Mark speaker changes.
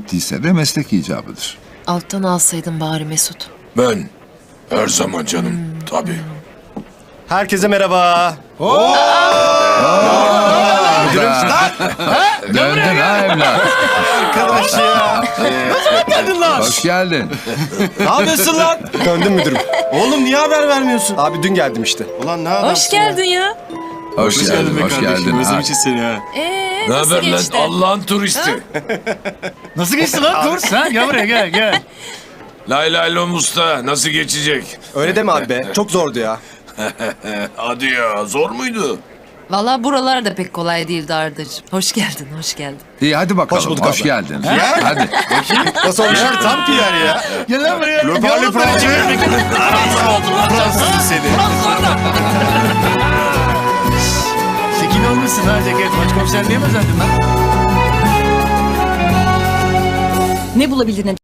Speaker 1: bittiyse de meslek icabıdır.
Speaker 2: Alttan alsaydın bari Mesut.
Speaker 3: Ben her zaman canım tabii.
Speaker 4: Herkese merhaba.
Speaker 1: Döndün ha evlat.
Speaker 4: Arkadaş ya.
Speaker 5: Geldin lan.
Speaker 1: Hoş geldin.
Speaker 5: Ne yapıyorsun lan?
Speaker 4: Döndüm müdürüm.
Speaker 5: Oğlum niye haber vermiyorsun?
Speaker 4: Abi dün geldim işte.
Speaker 5: Ulan ne adamsın
Speaker 2: Hoş geldin ya.
Speaker 1: Hoş geldin,
Speaker 5: be
Speaker 1: hoş
Speaker 5: kardeşim.
Speaker 1: geldin. Ha.
Speaker 5: Özlemişiz seni ha.
Speaker 3: Ne
Speaker 2: Nasıl
Speaker 3: haber lan
Speaker 2: geçti?
Speaker 3: Allah'ın turisti?
Speaker 5: Nasıl geçti lan kurs? Ha? Gel buraya gel.
Speaker 3: Lay lay lom usta nasıl geçecek?
Speaker 4: Öyle deme abi be. Çok zordu ya.
Speaker 3: Hadi ya zor muydu?
Speaker 2: Valla buralar da pek kolay değildi Ardacığım. Hoş geldin, hoş geldin.
Speaker 1: İyi hadi bakalım.
Speaker 4: Hoş bulduk
Speaker 1: Hoş
Speaker 4: abi.
Speaker 1: geldin. Hadi.
Speaker 4: Nasıl olmuş?
Speaker 5: Tam PR ya. Gel lan buraya.
Speaker 4: Le parle français.
Speaker 5: Fransız seni. Şekil olmuşsun ha ceket. Başkomiserliğe mi özendin lan?
Speaker 6: Ne bulabildin